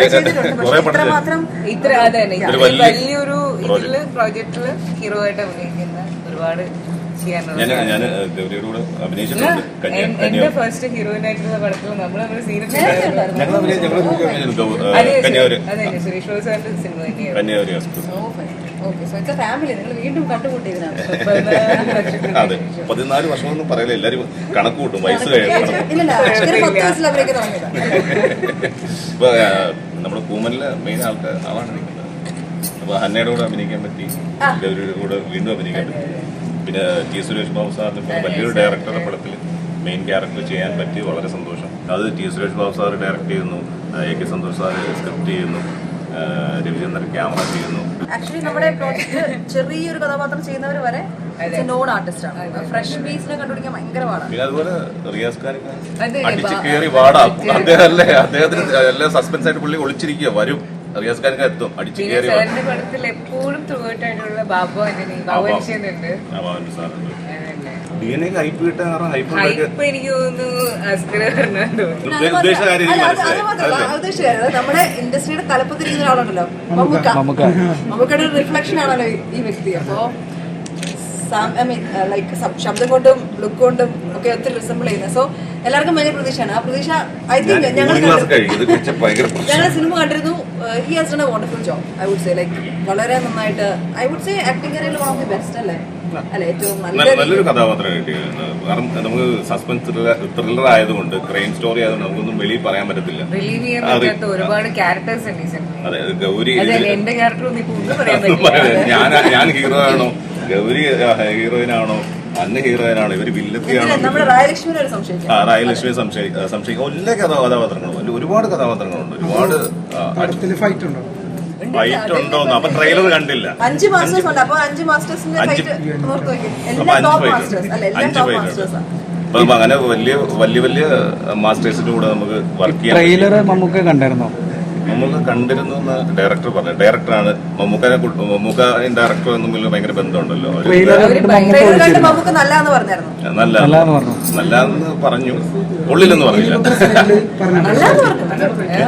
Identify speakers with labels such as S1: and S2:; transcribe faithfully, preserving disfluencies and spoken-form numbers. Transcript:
S1: ഇത്ര അതെ വലിയൊരു ഇതില് പ്രോജക്റ്റില് ഹീറോ ആയിട്ട് അഭിനയിക്കുന്ന ഒരുപാട് എന്റെ ഫസ്റ്റ് ഹീറോയിൻ ആയിട്ടുള്ള പടത്തിൽ നമ്മൾ നമ്മുടെ സീരിയസ് അതെ സുരേഷ് ബാബു സാറിന്റെ സിനിമ തന്നെയാണ്.
S2: അതെ, പതിനാല് വർഷമൊന്നും പറയില്ല, എല്ലാരും കണക്ക് കൂട്ടും വയസ്സ് കഴിയും. ഇപ്പൊ നമ്മുടെ കൂമനിലെ മെയിൻ ആൾക്കാർ ആളാണ് നിൽക്കുന്നത്. അപ്പൊ ഹന്നയുടെ കൂടെ അഭിനയിക്കാൻ പറ്റി, ഗൗരിയുടെ കൂടെ വീണ്ടും അഭിനയിക്കാൻ പറ്റി. പിന്നെ ടി സുരേഷ് ബാബു സാറിന് വലിയൊരു ഡയറക്ടറുടെ പടത്തിൽ മെയിൻ ക്യാരക്ടർ ചെയ്യാൻ പറ്റി, വളരെ സന്തോഷം. അത് T Suresh Babu sir direct ചെയ്യുന്നു, A K Santhosh sir script ചെയ്യുന്നു, രവിചന്ദ്രൻ ക്യാമറ ചെയ്യുന്നു.
S3: ആക്ച്വലി നമ്മുടെ പ്രോജക്റ്റ് ചെറിയൊരു കഥാപാത്രം ചെയ്യുന്നവർ വരെ നോൺ ആർട്ടിസ്റ്റ് ആണ്. ഫ്രഷ് പീസിനെ കണ്ടുപിടിക്കാൻ ഭയങ്കര പാടാണ്.
S2: പിന്നെ അതുപോലെ റിയാസ് ഖാൻ അടിച്ചു കയറി പാടാം. അദ്ദേഹം അല്ലേ, അദ്ദേഹത്തിന് എല്ലാ സസ്പെൻസ് ആയിട്ട് പുള്ളി ഒളിച്ചിരിക്കുക, വരും റിയാസ് ഖാൻ എത്തും അടിച്ചു കയറി.
S1: പടത്തിൽ എപ്പോഴും ത്രൂ ആയിട്ടുള്ള ബാബു ആന്റണി ബാബു സാറുണ്ട്.
S2: ഡി എൻ എ ഹൈപ്പ് കിട്ടാൻ ഹൈപ്പ്
S1: എനിക്ക് തോന്നുന്നു
S3: നമ്മുടെ ഇൻഡസ്ട്രിയുടെ തലപ്പത്തിരിക്കുന്ന ഒരാളുണ്ടല്ലോ മമ്മൂക്ക. മമ്മൂക്കയുടെ ഒരു റിഫ്ലക്ഷൻ ആണല്ലോ ഈ വ്യക്തി. അപ്പോ ഐ മീൻ ലൈക്ക് ശബ്ദം കൊണ്ടും ലുക്ക് കൊണ്ടും ഒക്കെ ഒത്തിരി റിസംബിൾ ചെയ്യുന്നത്. സോ എല്ലാവർക്കും വലിയ പ്രതീക്ഷയാണ്. ആ പ്രതീക്ഷ ഐ തിങ്ക് ഞങ്ങൾ ഞങ്ങൾ സിനിമ കണ്ടിരുന്നു. He has done a wonderful job. I would say like വളരെ നന്നായിട്ട് ഐ വുഡ് സേ ആക്ടിംഗ് കരിയറിൽ വൺ ഓഫ് ദി ബെസ്റ്റ് അല്ലേ അല്ലെ, ഏറ്റവും
S2: നല്ലൊരു കഥാപാത്രം കിട്ടിയത്. കാരണം നമുക്ക് സസ്പെൻസ് ത്രില്ലർ ആയതുകൊണ്ട്, ക്രൈം സ്റ്റോറി ആയതുകൊണ്ട് നമുക്കൊന്നും വെളിയിൽ പറയാൻ പറ്റത്തില്ല.
S1: ഒരുപാട് ക്യാരക്ടേഴ്സ് ഉണ്ട്.
S2: അതെ, ഗൗരി
S1: എന്റെ ക്യാരക്ടർ
S2: ഞാൻ ഞാൻ ഹീറോ ആണോ, ഗൗരി ഹീറോയിനാണോ, അന്ന് ഹീറോയിനാണോ, ഇവര് വില്ലത്തിയാണോ? ആ, റായലക്ഷ്മിയെ സംശയിക്കും. എല്ലാ കഥാപാത്രങ്ങളും, ഒരുപാട് കഥാപാത്രങ്ങളുണ്ട്, ഒരുപാട് ഫൈറ്റ് ഉണ്ടോ? അപ്പൊ ട്രെയിലർ കണ്ടില്ല.
S3: അഞ്ച് മാസ്റ്റേഴ്സ് ഉണ്ട്. അപ്പൊ അഞ്ച് മാസ്റ്റേഴ്സിന്റെ ഫൈറ്റ്
S2: അഞ്ച് ഫൈറ്റ്. അപ്പൊ അങ്ങനെ വലിയ വലിയ വലിയ മാസ്റ്റേഴ്സിന്റെ കൂടെ നമുക്ക് വർക്ക് ചെയ്യാം.
S4: ട്രെയിലർ മമ്മൂക്ക കണ്ടായിരുന്നോ?
S2: മമ്മൂക്ക കണ്ടിരുന്നു എന്ന് ഡയറക്ടർ പറഞ്ഞു. ഡയറക്ടറാണ് മമ്മൂക്കനെ, മമ്മൂക്കയും ഡയറക്ടറും തമ്മിൽ ഭയങ്കര ബന്ധമുണ്ടല്ലോ. നല്ല നല്ലതെന്ന് പറഞ്ഞു, ഉള്ളിലെന്ന് പറഞ്ഞില്ല.